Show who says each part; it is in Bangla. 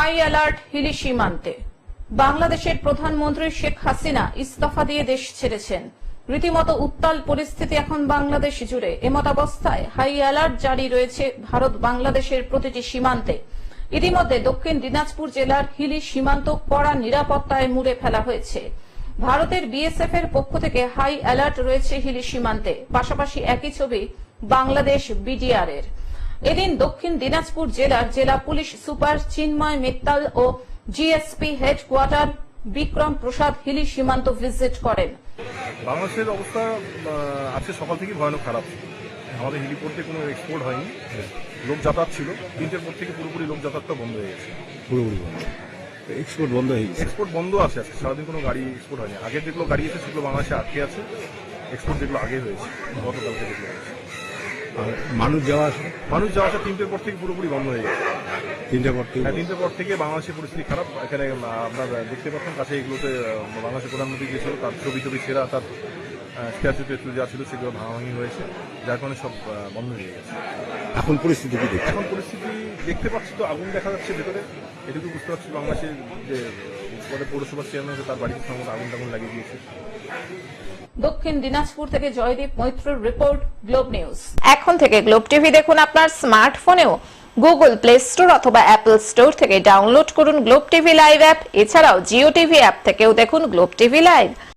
Speaker 1: হাই অ্যালার্ট হিলি সীমান্তে। বাংলাদেশের প্রধানমন্ত্রী শেখ হাসিনা ইস্তফা দিয়ে দেশ ছেড়েছেন। রীতিমতো উত্তাল পরিস্থিতি এখন বাংলাদেশ জুড়ে। এমতাবস্থায় হাই অ্যালার্ট জারি রয়েছে ভারত বাংলাদেশের প্রতিটি সীমান্তে। ইতিমধ্যে দক্ষিণ দিনাজপুর জেলার হিলি সীমান্ত কড়া নিরাপত্তায় মুড়ে ফেলা হয়েছে। ভারতের বিএসএফ এর পক্ষ থেকে হাই অ্যালার্ট রয়েছে হিলি সীমান্তে। পাশাপাশি একই ছবি বাংলাদেশ বিডিআর এর। এদিন দক্ষিণ দিনাজপুর জেলার জেলা পুলিশ সুপার চিন্ময় মিত্তাল ও জিএসপি হেডকোয়ার্টার বিক্রম প্রসাদ হিলি সীমান্ত ভিজিট করেন।
Speaker 2: বাংলাদেশের অবস্থা আজকে সকাল থেকে ভয়ানক খারাপ। আমাদের হেলিপোর্টে কোনো এক্সপোর্ট হয়নি, লোক যাতায়াত ছিল। 3টের পর থেকে পুরোপুরি লোক যাতায়াতটা বন্ধ হয়ে গেছে। পুরোপুরি বন্ধ, এক্সপোর্ট বন্ধ হয়ে গেছে। এক্সপোর্ট বন্ধ আছে আজকে সারাদিন, কোনো গাড়ি এক্সপোর্ট হয়নি। আগের যেগুলো গাড়ি আছে সেগুলো বাংলাদেশে আটকে আছে। এক্সপোর্ট যেগুলো আগে হয়েছে গতকালকে যেগুলো হয়েছে।
Speaker 3: মানুষ যাওয়া আসা
Speaker 2: 3টের পর থেকে পুরোপুরি বন্ধ হয়ে গেছে। 3টের পর থেকে বাংলাদেশের পরিস্থিতি খারাপ। এখানে আপনারা দেখতে পাচ্ছেন কাছে এগুলোতে বাংলাদেশের প্রধানমন্ত্রী যে ছিল তার ছবি ছেঁড়া, তার স্ট্যাচু যা ছিল সেগুলো ভাঙাভাঙি হয়েছে, যার কারণে সব বন্ধ হয়ে গেছে।
Speaker 3: এখন পরিস্থিতি কি দেখতে?
Speaker 2: এখন পরিস্থিতি দেখতে পাচ্ছি তো, আগুন দেখা যাচ্ছে ভেতরে। এটুকু বুঝতে পারছি বাংলাদেশের যে পৌরসভার চেয়ারম্যান আছে তার বাড়িতে সম্ভবত আগুন লাগিয়ে দিয়েছে।
Speaker 1: দক্ষিণ দিনাজপুর থেকে জয়দীপ মৈত্রর রিপোর্ট, গ্লোব নিউজ। এখন থেকে গ্লোব টিভি দেখুন আপনার স্মার্টফোনেও। গুগল প্লে স্টোর অথবা অ্যাপল স্টোর থেকে ডাউনলোড করুন গ্লোব টিভি লাইভ অ্যাপ। এছাড়াও জিও টিভি অ্যাপ থেকেও দেখুন গ্লোব টিভি লাইভ।